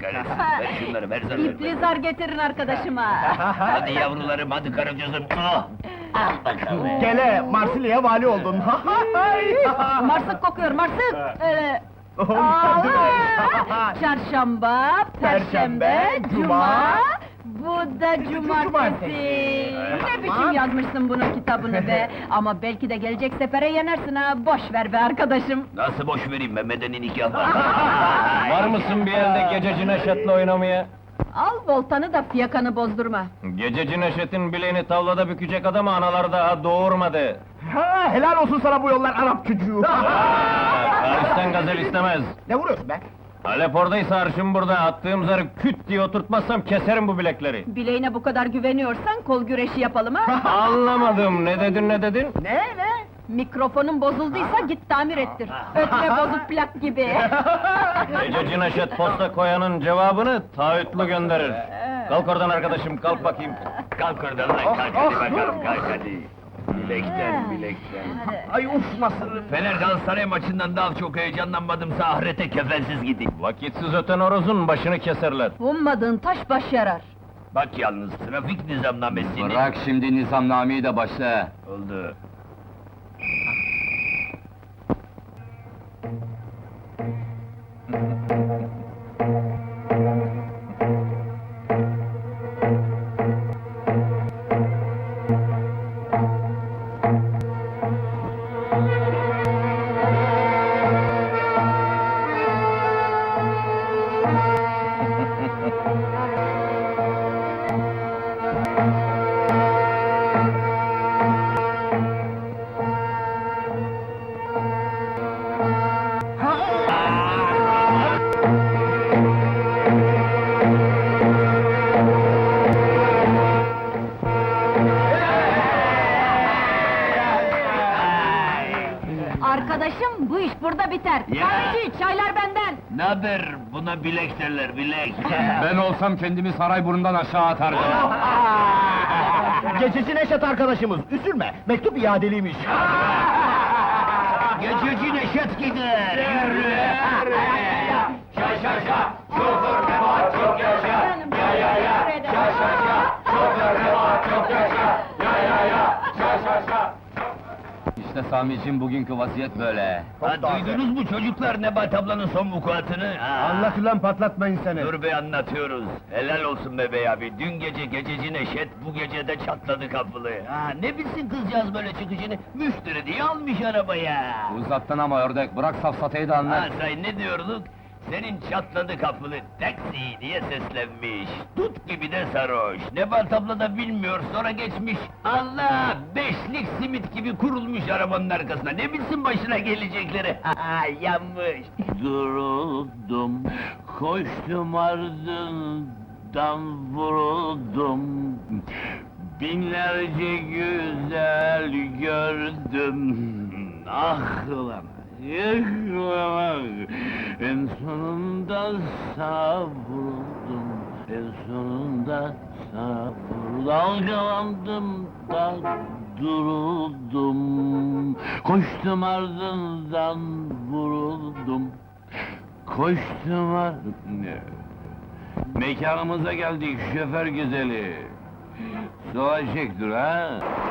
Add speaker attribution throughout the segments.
Speaker 1: kahretsin. Ver şunları, ver zarları.
Speaker 2: İpli zar getirin arkadaşıma.
Speaker 1: Hadi yavrularım, hadi karıcığızım. Ah! Al bakalım.
Speaker 3: Gele, Marsilya'ya vali oldun.
Speaker 2: Marsık kokuyor, marsık!
Speaker 3: Oh,
Speaker 2: Aa,
Speaker 3: değil mi?
Speaker 2: Çarşamba, perşembe, cuma, bu da cumartesi.
Speaker 3: cumartesi.
Speaker 2: Ne biçim yazmışsın bunun kitabını be! Ama belki de gelecek sefere yenersin ha, boş ver be arkadaşım!
Speaker 1: Nasıl boş vereyim be, medeni nikah var.
Speaker 4: Var mısın bir yerde Gececi Neşet'le oynamaya?
Speaker 2: Al voltanı da fiyakanı bozdurma!
Speaker 4: Gececi Neşet'in bileğini tavlada bükecek adamı analar daha doğurmadı.
Speaker 3: Ha, helal olsun sana bu yollar Arap çocuğu.
Speaker 4: Paris'ten gazel istemez.
Speaker 3: Ne vuruyorsun be?
Speaker 4: Halep oradaysa arşım burada, attığım zarı küt diye oturtmazsam keserim bu bilekleri.
Speaker 2: Bileğine bu kadar güveniyorsan kol güreşi yapalım ha!
Speaker 4: Anlamadım, ne dedin ne dedin?
Speaker 3: Ne?
Speaker 2: Mikrofonun bozulduysa git tamir ettir! Ötme bozuk plak gibi!
Speaker 4: Gececi Neşet posta koyanın cevabını taahhütlü gönderir. Kalk oradan arkadaşım, kalk bakayım.
Speaker 1: Kalk oradan lan, kalk hadi bakalım, kalk hadi. Bilekten, bilekten.
Speaker 3: Ay uf nasıl?
Speaker 1: Fener Galatasaray maçından daha çok heyecanlanmadımsa ahirete kefensiz gideyim.
Speaker 4: Vakitsiz öten horozun başını keserler.
Speaker 2: Ummadığın taş baş yarar!
Speaker 1: Bak yalnız, trafik nizamnamesini...
Speaker 5: Bırak şimdi nizamnameyi de başla.
Speaker 1: Oldu.
Speaker 2: Arkadaşım, bu iş burada biter!
Speaker 1: Ya!
Speaker 2: Kahveci, çaylar benden!
Speaker 1: Naber? Buna bilek derler, bilek.
Speaker 5: Ben olsam kendimi Sarayburnu'ndan aşağı atardım.
Speaker 3: Gececi Neşet arkadaşımız, üzülme, mektup iadeliymiş.
Speaker 1: Gececi Neşet gider, yürü!
Speaker 5: İşte Sami'cim bugünkü vaziyet böyle.
Speaker 1: Ha, duydunuz mu çocuklar Nebat ablanın son vukuatını?
Speaker 3: Anlat ulan patlatmayın seni.
Speaker 1: Dur be, anlatıyoruz. Helal olsun be bey abi. Dün gece Gececi Neşet, bu gece de çatladı kapılı. Ha, ne bilsin kızcağız böyle çıkışını? Müşteri diye almış arabaya.
Speaker 5: Uzattın ama ördek, bırak safsatayı da
Speaker 1: Ha,
Speaker 5: anlat.
Speaker 1: say ne diyorduk? Senin çatladı kapılı taksi diye seslenmiş. Tut gibi de sarhoş. Nebat abla da bilmiyor, sonra geçmiş. Allah! Beşlik simit gibi kurulmuş arabanın arkasına. Ne bilsin başına gelecekleri? Ha, yanmış. Duruldum, koştum ardından vuruldum. Binlerce güzel gördüm. Ah ulan! En sonunda savruldum, en sonunda savruldum, dalgalandım da duruldum, koştum ardından vuruldum, koştum Mekanımıza geldik şoför güzeli, sola çektir ha?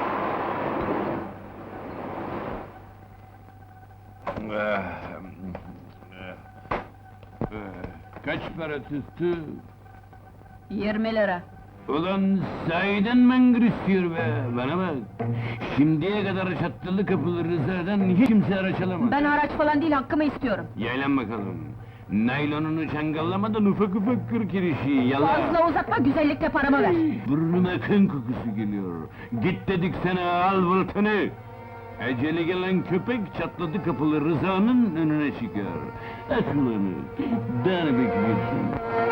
Speaker 1: Kaç para tuttu?
Speaker 2: 20 lira!
Speaker 1: Ulan sahiden mangır istiyor be, bana bak! Şimdiye kadar çattılı kapılı Rıza'dan hiç kimse araç alamaz.
Speaker 2: Ben haraç falan değil, hakkımı istiyorum!
Speaker 1: Yaylan bakalım! Naylonunu çangallamadan ufak ufak kır kirişi, yala!
Speaker 2: Fazla uzatma, güzellikle paramı ver!
Speaker 1: Burnuma kan kokusu geliyor! Git dedik sana, al voltanı! Eceli gelen köpek çatladı kapılı Rıza'nın önüne çıkar. Aç ulanı, daha ne bekliyorsun?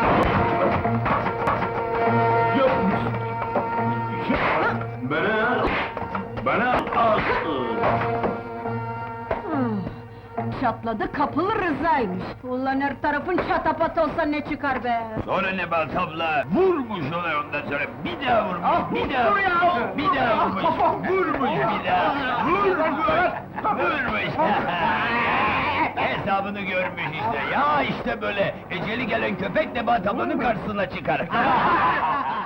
Speaker 1: Bana al!
Speaker 2: Çatladı kapılı Rıza'ymış! Ulan her tarafın çatapat olsa ne çıkar be!
Speaker 1: Sonra Nebat abla vurmuş ona, ondan sonra bir daha vurmuş, bir daha vurmuş, bir daha vurmuş, vurmuş bir daha, vurmuş, vurmuş. Hesabını görmüş işte. Ya işte böyle. Eceli gelen köpek Nebahat ablanın karşısına çıkar.